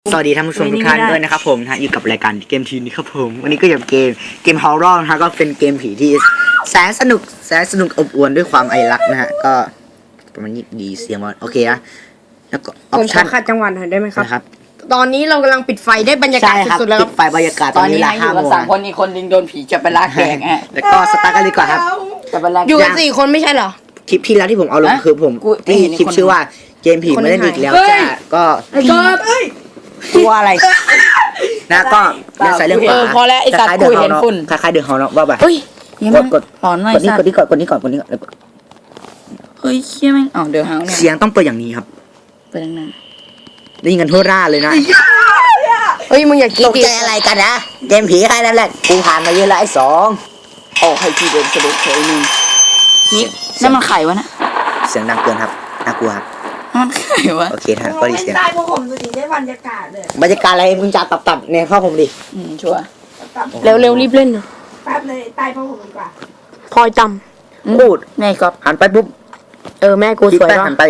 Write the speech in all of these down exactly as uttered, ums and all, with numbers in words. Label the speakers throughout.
Speaker 1: สวัสดีท่านผู้ชมทุกท่านด้วยนะครับผมนะฮะอยู่กับรายการเกมทีนี้ครับผมวันนี้ก็อยู่กับเกมเกมฮอร์เรอร์นะฮะก็เป็นเกมผีที่แสนสนุกแสนสนุกอบอวลด้วยความไอรักนะฮะก็ประมาณนี้ดีเสียงมันโอเคนะแล้วก็ออ
Speaker 2: ผ
Speaker 1: ป
Speaker 2: มข
Speaker 1: ชั่
Speaker 2: อน ขัดจังหวะหน่อยได้ไหมครับ
Speaker 1: นะครับ
Speaker 2: ตอนนี้เรากำลังปิดไฟได้บรรยากาศ
Speaker 1: ใช่ครับ
Speaker 2: สุดๆแล้วค
Speaker 1: ปิ
Speaker 2: รับ
Speaker 1: ดไฟบรรยากาศ
Speaker 3: ตอนนี้
Speaker 1: เวลา
Speaker 3: นะอ
Speaker 1: ห้า
Speaker 3: ยู่
Speaker 1: โม
Speaker 3: กัน
Speaker 1: ง
Speaker 3: สามคนอีกคนดึงโดนผีจะไปลากแดงฮะ
Speaker 1: แล้วก็สตาร์ทกันดีกว่าครับ
Speaker 3: จะไปลาก
Speaker 2: อยู่กันสี่คนไม่ใช่เหรอ
Speaker 1: คลิปที่แล้วที่ผมเอาลง
Speaker 3: ฮะ
Speaker 1: คือผม
Speaker 3: กู
Speaker 1: ที่
Speaker 3: เห็น
Speaker 1: คลิป
Speaker 3: คน
Speaker 1: ชื่อว่าเกมผีไม่เล่นอีกแล้ว
Speaker 2: เฮ้ย
Speaker 1: จ้าก็
Speaker 2: ไอ้ก๊อฟ
Speaker 1: ตัวอะไรนะก็เรื่องสายเรื่องขวา
Speaker 3: เออพอแล้วไอ้สัตว์
Speaker 1: คล้ายๆ
Speaker 3: กูเห็นฝุ่น
Speaker 1: คล้ายๆเดือดฮอร์เนาะว่าแบบ
Speaker 2: เฮ้ย
Speaker 3: ยัง
Speaker 1: ก
Speaker 3: ไม่
Speaker 1: ดกด
Speaker 3: หลอนหน่อย
Speaker 1: กดนี้
Speaker 3: สั
Speaker 1: ก
Speaker 3: ต
Speaker 1: ด
Speaker 3: ว์
Speaker 1: นี้ก่อนกดนี้ก่อนกดนี้ก่อนแล้วกด
Speaker 3: เฮ้ยเชี่ยแม่งอ๋อเดี๋ยวเฮาเนี่ย
Speaker 1: เสียงต้องเปิดอย่างนี้ครับ
Speaker 3: ไปทางนั้น
Speaker 1: ได้ยินกันทั่วร่าเลยนะ
Speaker 2: เฮ้ยมึงอย่าคิด
Speaker 1: ตกใจอะไรกันนะเกมผีแค่นั้นแหละกูผ่านมาเยอะแล้วไอ้สอง
Speaker 3: โอ้ให้พี่เดินสะดุดเฉยหนึ่งนี่นั่นมันไข่วะนะ
Speaker 1: เสียงดังเกินครับน่ากลัวครับ
Speaker 3: นั่นมันไข่วะ
Speaker 1: โอเคท่านก็ดีเสียง
Speaker 4: ได้พวกผมดูดิได้บรรยากาศเลย
Speaker 1: บรรยากาศอะไรมึงจะตับตับๆในข้อผมดิ
Speaker 3: อืมชัวร์
Speaker 4: ตับ
Speaker 2: เร็วเร็วๆรีบเล่นนะ
Speaker 4: แป๊บเลยใต้พวกผมดีกว่า
Speaker 2: พลอยจ
Speaker 1: พูด
Speaker 3: แม่ก๊อฟ
Speaker 1: หันไปปุ๊บ
Speaker 2: ำเออแม่กู
Speaker 1: คิด
Speaker 2: สวย
Speaker 1: ไป
Speaker 2: ปะ
Speaker 1: หันไป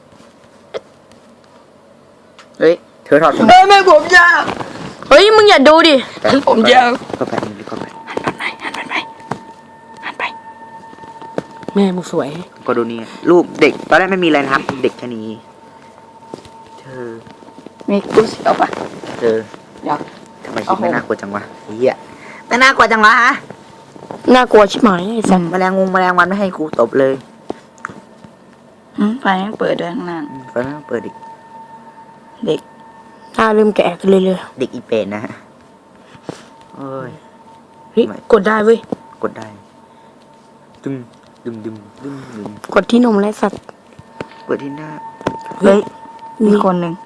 Speaker 3: เฮ้ย
Speaker 1: เธอถอดผม
Speaker 3: เฮ้ยแม่ผมยาว
Speaker 2: เฮ้ยมึงอย่าดูดิ
Speaker 3: ผมยาว
Speaker 1: ก็ไปก็ไป
Speaker 3: หันไปหันไปหันไป
Speaker 2: แม่มึงสวย
Speaker 1: ก็ดูนี่รูปเด็กตอนแรกไม่มีอะไรนะครับ เด็กแค่นี้เธอ
Speaker 3: มีกูเสียวปะ
Speaker 1: เธอ
Speaker 3: อยาก
Speaker 1: ทำไมคิดไม่น่ากลัวจังวะเฮียไม่น่ากลัวจังวะฮะ
Speaker 2: น่ากลัวชิบหายไอ้สัส
Speaker 1: แมลงงงแมลงวันไม่ให้กูตบเลย
Speaker 3: อืมไฟแม่งเปิดด้วยข้างล่าง
Speaker 1: อืมไฟไม่ต้องเปิดอีก
Speaker 3: เด็ก
Speaker 2: หน้าเริ่มแก่กันเรื่อย
Speaker 1: เด็กอีเป็ดนะฮะโอ้ย
Speaker 2: ๆเฮ้ยกดได้เว้ย
Speaker 1: กดได้ ดึง ดึง ดึง ดึง ดึง
Speaker 2: กดที่นมและสัตว์
Speaker 1: เปิดที่หน้า
Speaker 3: เฮ้ยมีคนหนึ่ง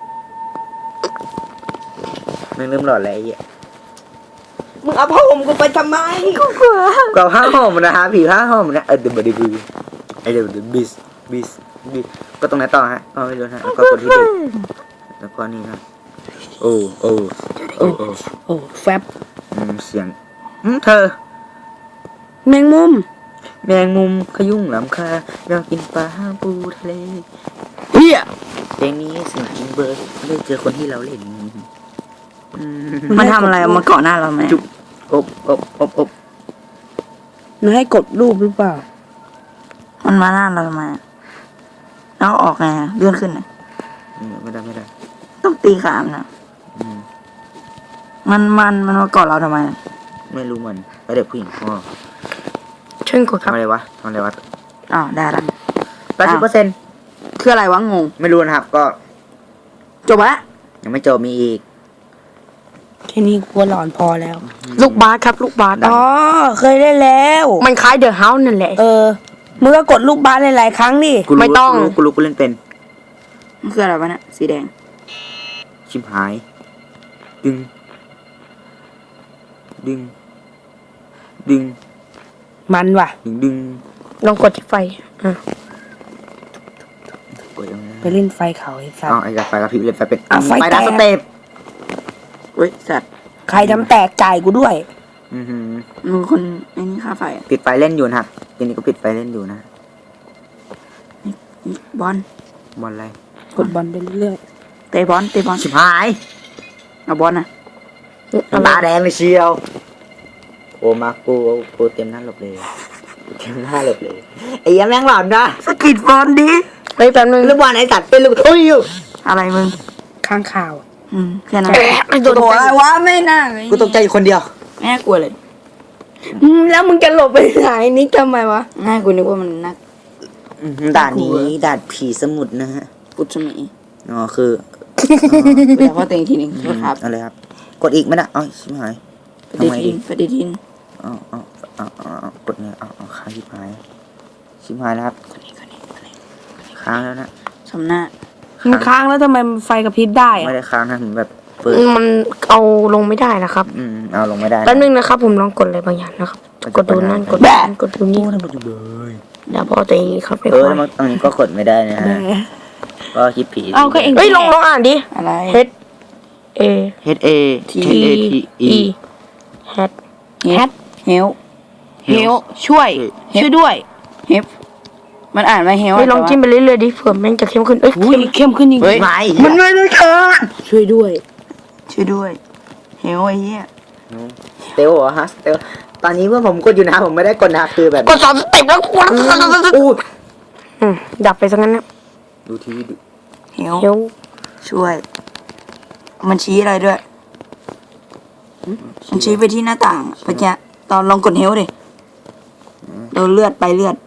Speaker 1: แม่งเริ่มหลอดแล้วไอ้เหี้ย
Speaker 4: มึงเอาผ้าห่มกูไปทำไม
Speaker 1: กว่าผ้าห่มนะฮะผีผ้าห่มนะเออเดี๋ยวเดี๋ยวดูไอเดี๋ยวเดี๋ยวบิสบิสบิสก็ตรงไหนต่อฮะก็ไม่รู้ฮะแล้วก็กดที่เด็กแล้วก็นี่นะโอ้โอ้โอ้โอ้
Speaker 2: โอ้แฟบ
Speaker 1: อืมเสียงอืมเธอ
Speaker 2: แมงมุม
Speaker 1: แมงมุมขยุ่งลำคาเรากินปลาปูทะเล
Speaker 2: เฮีย
Speaker 1: เพลงนี้เสิ่งจริงเบอร์ได้เจอคนที่เราเล่นอืม
Speaker 3: มันทำอะไรมันเกาะหน้าเราไหม
Speaker 1: จุบอบอบอบอบ
Speaker 2: มันให้กดรูปหรือเปล่า
Speaker 3: มันมาหน้าเราทำไมอะแล้วออกไงอะเลื่อนขึ้นน่ะ
Speaker 1: อืมไม่ได้ไม่ได้
Speaker 3: ต้องตีขามนะ
Speaker 1: อืม
Speaker 3: มันมันมันมาเกาะเราทำไมอะ
Speaker 1: ไม่รู้มันแล้วเด็กผู้หญิงพ่อ
Speaker 2: เชิญกดครับ
Speaker 1: ทำอะไรวะทำอะไรวะ
Speaker 3: อ้าวได้ละ
Speaker 1: แปดสิบเปอร์เซ็นต์
Speaker 3: คืออะไรวะงง
Speaker 1: ไม่รู้นะครับ ก็
Speaker 3: จบละ
Speaker 1: ยังไม่จบมีอีก
Speaker 2: แค่นี้กลัวหลอนพอแล้ว ลูกบาสครับลูกบาส
Speaker 4: อ๋อเคยได้แล้ว
Speaker 2: มันคล้ายเดอะเฮาส์นั่นแหละ
Speaker 4: เออมึงก็กดลูกบาสหลายๆครั้งดิ
Speaker 1: กูรู้
Speaker 2: ไม่ต้อง
Speaker 1: กูรู้กูรู้กูเล่นเป็น
Speaker 3: มันคืออะไรวะเนี่ยสีแดง
Speaker 1: ชิมหาย ดึง ดึง ดึง
Speaker 2: มันว่ะ
Speaker 1: ดึงดึง
Speaker 2: ลองกดที่ไฟอ่ะ
Speaker 1: กดยังไง
Speaker 2: ไปเล่นไฟเขาไอ้สัส
Speaker 1: อ๋อไอ้กระไฟกระพริบเล่นไฟเป็น
Speaker 2: อ่ะไฟ
Speaker 1: ไฟดับ
Speaker 2: แตก
Speaker 1: สเต็ป
Speaker 3: เฮ้ยสัตว์
Speaker 2: ใครทำแตกจ่ายกูด้วย
Speaker 1: อือหือ
Speaker 3: มึงคนไอ้นี่ค่าไฟอะ
Speaker 1: ปิดไฟเล่นอยู่นะครับทีนี้ก็ปิดไฟเล่นอยู่นะ
Speaker 3: นี่บอล
Speaker 1: บอลอะไร
Speaker 2: กดบอลไปเรื่อย
Speaker 3: เตะบอลเตะบอล
Speaker 1: ชิมหาย
Speaker 3: เอาบอลนะ
Speaker 2: ๆอะไร
Speaker 1: ตาแดงเลยเชียว โอ้มากูกูเต็มหน้าหลบเลยเต็มหน้าหลบเลยไอ้ยังแม่งหลอนนะ
Speaker 3: สกิดบอลดิ
Speaker 2: เฮ้ยแป๊บนึง
Speaker 1: ลูกบอลไอ้สัตว์เป็นลูกโอ้ยอยู่
Speaker 3: อะไรมึง
Speaker 2: ข้างข่าว
Speaker 3: อืมแค่นั้น
Speaker 2: ไอ้โดน
Speaker 3: โอ้อะไรวะไม่น่าเลย
Speaker 1: กูตกใจอยู่คนเดียว
Speaker 3: แม่กลัวเลย
Speaker 2: อืมแล้วมึงจะหลบไปไหนนิกทำไมวะ
Speaker 3: แม่กูนึกว่ามันนัก
Speaker 1: อืมด่านนี้ด่านผีสมุทรนะฮะ
Speaker 3: กุศมี
Speaker 1: อ๋อคือ
Speaker 3: ไปแต่ว่าเต็งทีหนึ่งโทษครับ
Speaker 1: อะไรครับ กดอีกไหมนะอ๋อชิบหาย
Speaker 3: ปฏิทินปฏิทิน
Speaker 1: อ๋ออ๋ออ๋ออ๋อกดไงอ๋ออ๋อค้างชิบหายชิบหายแล้วครับ
Speaker 3: คนนี้คนนี้คนนี้
Speaker 1: ค้างแล้วนะ
Speaker 3: สำหน้า
Speaker 2: มันค้างแล้วทำไมมันไฟกระพริบได้อะ
Speaker 1: ไม่ได้ค้างนะผมแบบเปิด
Speaker 2: มันเอาลงไม่ได้นะครับ
Speaker 1: อืมเอาลงไม่ได้
Speaker 2: แป๊บนึงนะครับ ผมลองกดอะไรบางอย่างนะครับ กดดูนั่นกดดูนั่นกดดูนี่
Speaker 1: ทำไมจุเลย
Speaker 2: เดี๋ยวพอตัวเองครับไป
Speaker 1: เอ
Speaker 2: ค
Speaker 1: อ
Speaker 2: อ
Speaker 1: แล้ว
Speaker 2: ย
Speaker 1: มันตรงนี้ก็กดไม่ได้นะฮะก็คิดผี
Speaker 2: เอาก็เองเฮ้ยลองลองอ่านดิ
Speaker 3: อะไร
Speaker 2: H A
Speaker 1: H A T
Speaker 2: T
Speaker 1: A T E
Speaker 2: E Hat
Speaker 3: เฮดเฮล
Speaker 2: เฮลช่วย ช่วยด้วย
Speaker 3: เฮฟมันอ่านว่าเฮล
Speaker 2: เฮ้ยลองจิ้มไปเรื่อยๆดิเผื่อแม่งจะเข้มขึ้นเอ้ยเข้มเข้มขึ้นจริง
Speaker 3: เฮ้ย
Speaker 1: ไม่
Speaker 2: มันไม่ได้ค่ะช่วยด้วย
Speaker 3: ช่วยด้วยเฮลไอ้เหี้ย
Speaker 1: สเตลเหรอฮะสเตลตอนนี้เมื่อผมกดอยู่นะผมไม่ได้กดนะคือแบบ
Speaker 2: กดสามสเต็ปแล้วกู
Speaker 1: อู้
Speaker 2: อืมดับไปซะงั้นนะ
Speaker 1: ดูทีวีดู
Speaker 3: เฮล
Speaker 2: เดี๋ยว
Speaker 3: ช่วย มันชี้อะไรด้วย มันชี้ไปที่หน้าต่างอะเมื่อกี้ตอนลองกดเฮลดิเราเลือดไปเลือด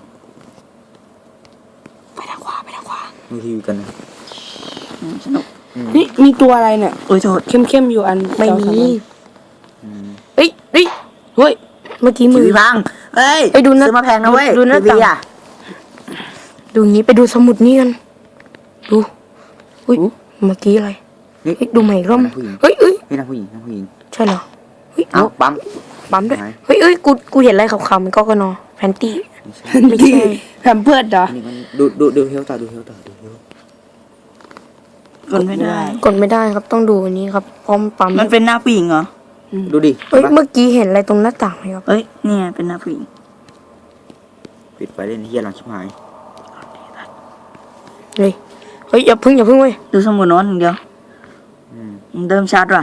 Speaker 3: ไปทางขวาไปทางขวา
Speaker 1: ดูทีวีกันนะ
Speaker 3: อืมสนุก
Speaker 2: นี่มีตัวอะไรเนี่ย
Speaker 3: โอ้ยโทษ
Speaker 2: เข้มๆอยู่อัน
Speaker 4: ไม่มี
Speaker 1: อืม
Speaker 2: เฮ้ยเฮ้ยเฮ้ยเมื่อกี้
Speaker 1: ที
Speaker 2: มือ
Speaker 1: วีพังเฮ้ย
Speaker 2: ไปดูหน้า
Speaker 1: ซื้อมาแพงนะเว้ย
Speaker 2: ดูหน้า
Speaker 1: ทีวี
Speaker 2: ต่าง
Speaker 1: อ่ะ
Speaker 2: ดูงี้ไปดูสมุดนี่กันดูอุ้ยเมื่อกี้อะไร
Speaker 1: นี่
Speaker 2: เฮ้ยดูใหม่อีกรอบ
Speaker 1: ผู้หญิง
Speaker 2: เฮ้ยเฮ้ย
Speaker 1: นี่นะผู้หญิงนะผู้หญิง
Speaker 2: ใช่เหรอเฮ้ย
Speaker 1: เอ้าปั๊ม
Speaker 2: ปั๊มด้วย
Speaker 1: ไหน
Speaker 2: เฮ้ยเฮ้ยกูกูเห็นอะไรขาวๆมันก็กนอแฟนตี้
Speaker 1: ไม่ใช่
Speaker 2: ไม่ใช่
Speaker 4: แพมเพิร์ดเหรอ
Speaker 1: อันนี้มันดูดูดูเฮลต่อดูเฮลต่อดูเฮล
Speaker 3: กดไม่ได้
Speaker 2: กดไม่ได้ครับต้องดูอันนี้ครับพร้อมปั๊ม
Speaker 3: มันเป็นหน้าผู้หญิงเหรอ
Speaker 1: ดูดิ
Speaker 2: เฮ้ย
Speaker 1: เห็นปะ
Speaker 2: เมื่อกี้เห็นอะไรตรงหน้าต่างไหมครับ
Speaker 3: เอ้ยเนี่ยเป็นหน้าผู้หญิง
Speaker 1: ปิดไฟเล่นเฮียหลังชิบหาย
Speaker 2: เฮ้ยเฮ้ยอย่าพึ่งอย่าพึ่งเว้ย
Speaker 3: ดูสมุดโน้นอย่างเดียว
Speaker 1: อืม
Speaker 3: ยังเดิมชัดว่ะ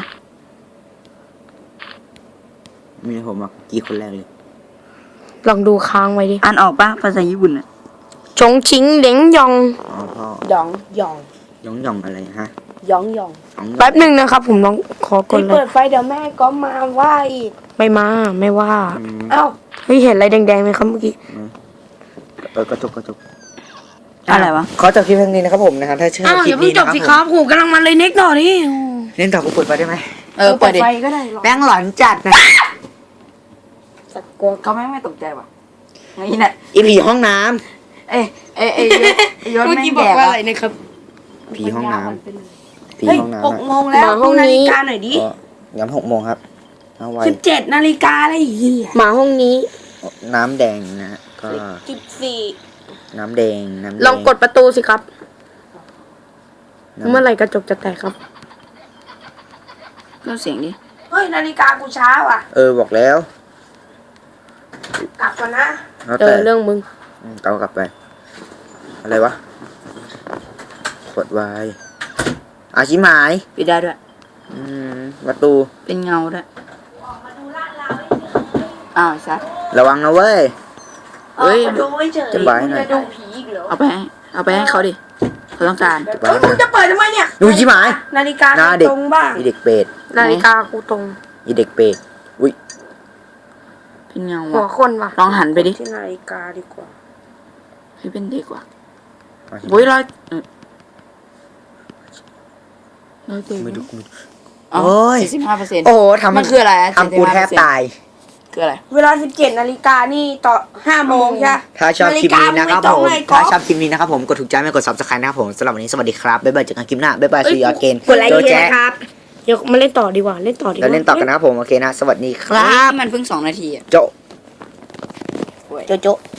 Speaker 1: มีผมอ่ะกี่คนแรกเลย
Speaker 2: ลองดูค้างไว้ดิ
Speaker 3: อ่านออกปะภาษาญี่ปุ่นอ่ะ
Speaker 2: ชงชิงเหลงยอง
Speaker 1: อ๋อพ่อ
Speaker 4: หยองหยอง
Speaker 1: ยองยองอะไรฮะ
Speaker 4: หยองหยอง
Speaker 1: ยองยอง
Speaker 2: แป๊บหนึ่งนะครับ ผมลองขอกด
Speaker 4: นี่
Speaker 2: เล
Speaker 4: เปิ
Speaker 2: ย
Speaker 4: ดไฟเดี๋ยวแม่ก็มาว่าอีก
Speaker 2: ไม่มาไม่ว่า
Speaker 1: อืม
Speaker 4: เอ้า
Speaker 2: เฮ้ยเห็นอะไรแดงๆไหมครับเมื่อกี้
Speaker 1: เออกระจกกระจก
Speaker 3: อะไรวะ
Speaker 1: ขอจบคลิปเพียงนี้นะครับผมนะครับถ้าเชื่อ
Speaker 2: อ้าว
Speaker 1: คลิ
Speaker 2: อย่า
Speaker 1: ป
Speaker 2: เพิ่ง
Speaker 1: นี้
Speaker 2: จ
Speaker 1: นะ
Speaker 2: บ
Speaker 1: ครับ
Speaker 2: สิ
Speaker 1: ผ
Speaker 2: ครับ
Speaker 1: ม
Speaker 2: โหกำลังมันเลยเน็กหน่อยนี่
Speaker 1: เล่นต่อกูเปิดไฟได้ไหม
Speaker 3: เออเปิดดิ
Speaker 4: ไฟก็ได้หรอก
Speaker 1: แบงค์หลอนจัดนะ
Speaker 4: สัตว์กลัว
Speaker 3: เขาไม่ไม่ตกใจว่ะนี่แหละ
Speaker 1: อีผีห้องน้
Speaker 3: เอ้ยเอ้ยเอ้ยไอ้ยศ
Speaker 2: เมื่อ
Speaker 3: แม่
Speaker 2: กี้
Speaker 3: ง
Speaker 2: บอ
Speaker 3: แด
Speaker 2: ก
Speaker 3: ก
Speaker 2: ว่า
Speaker 3: ว่ะ
Speaker 2: อะไรนะครับ
Speaker 1: ำผีห้องน้ำผี
Speaker 4: เฮ้ย
Speaker 1: ห้องน้ำ
Speaker 4: หกโมงแล้ว
Speaker 2: มาห้อง
Speaker 4: ดูนา
Speaker 2: นี้
Speaker 4: ฬิกาหน่อยดิ
Speaker 1: ก็ย้ำหกโมงครับเอาไว้
Speaker 4: สิบเจ็ดนาฬิกาเลยเฮีย
Speaker 2: หมาห้องนี้
Speaker 1: น้ำแดงนะฮะก็
Speaker 4: สิบสี่
Speaker 1: น้ำแดงน้ำแดง
Speaker 2: ลองกดประตูสิครับ
Speaker 1: น้ำ
Speaker 2: เมื่อไหร่กระจกจะแตกครับ
Speaker 3: เพิ่มเสียงดิ
Speaker 4: เฮ้ยนาฬิกากูช้าว่ะ
Speaker 1: เออบอกแล้ว
Speaker 4: กลับก่อนนะ
Speaker 1: แล้ว
Speaker 2: เอ
Speaker 1: แต่
Speaker 2: อเรื่องมึง
Speaker 1: อืมเกากลับไป อะไรวะกดไว้อาชิหมาย
Speaker 3: ปิดได้ด้วย
Speaker 1: อืมประตู
Speaker 3: เป็นเงาด้วยอ้าวชัด
Speaker 1: ระวังนะเว้ย
Speaker 3: เฮ้ย
Speaker 4: ออมาดูเฉย
Speaker 1: จะไว้หน่อย
Speaker 4: จะดูผีอีกเหรอ
Speaker 3: เอาไปให้เอาไปให้เขาดิเขาต้องการ
Speaker 1: จะไป
Speaker 4: เฮ้ยมึงจะเปิดทำไมเนี่ย
Speaker 1: ดูชิหมาย
Speaker 4: นาฬิกา
Speaker 1: หน้าเด็ก
Speaker 4: ตรงบ้าง
Speaker 1: อีเด็กเป็ด
Speaker 2: นาฬิกากูตรง
Speaker 1: อีเด็กเป็ดอุ้ย
Speaker 3: เป็นเงา
Speaker 2: หัว
Speaker 3: ว่ะ
Speaker 2: คนว่ะ
Speaker 3: ลองหันไปดิ
Speaker 4: ที่นาฬิกาดีกว่า
Speaker 3: ให้เป็นเด็กว่ะ
Speaker 1: อาชิ
Speaker 3: โอ้ยร้อยเออร้อยเจ็ด
Speaker 1: ไม่ดูไม่ดู
Speaker 3: อ๋อ
Speaker 1: โอ้ย
Speaker 3: เจ็ดสิบห้าเปอร์เซ็นต์
Speaker 1: โอ้โหทำ
Speaker 3: มันคืออะไรอะ
Speaker 1: ทำกูแทบ
Speaker 3: เจ็ดสิบห้าเปอร์เซ็นต์
Speaker 1: ตาย
Speaker 3: คืออะไร
Speaker 4: เวลาสิบเจ็ดนาฬิกานี่ต่อห้าโมงใช่ปะ
Speaker 1: ถ้าชอบคลิปนี้นะครับ
Speaker 4: นาฬิกา
Speaker 1: ผม
Speaker 4: มึงไม่ตรงเลย
Speaker 1: ถ้า
Speaker 4: ก๊อฟ
Speaker 1: ชอบคลิปนี้นะครับผมกดถูกใจไม่กด ซับสไครบ์ นะครับผมสำหรับวันนี้สวัสดีครับบ๊ายบายเจอกันคลิปหน้าบ๊ายบายซีออเกน
Speaker 4: กดไลค์
Speaker 1: โจ
Speaker 4: เยอะ
Speaker 1: แจ๊
Speaker 4: ๆนะครับ
Speaker 2: เดี๋ยวมาเล่นต่อดีกว่า เล่นต่อดีก
Speaker 1: เรา
Speaker 2: ว่า
Speaker 1: เล่นต่อกันนะครับผมโอเคนะสวัสดีค
Speaker 3: เฮ้
Speaker 1: รั
Speaker 3: ย
Speaker 1: บ
Speaker 3: มันเพิ่งสองนาทีอ่ะ
Speaker 1: โจ
Speaker 4: โจโจ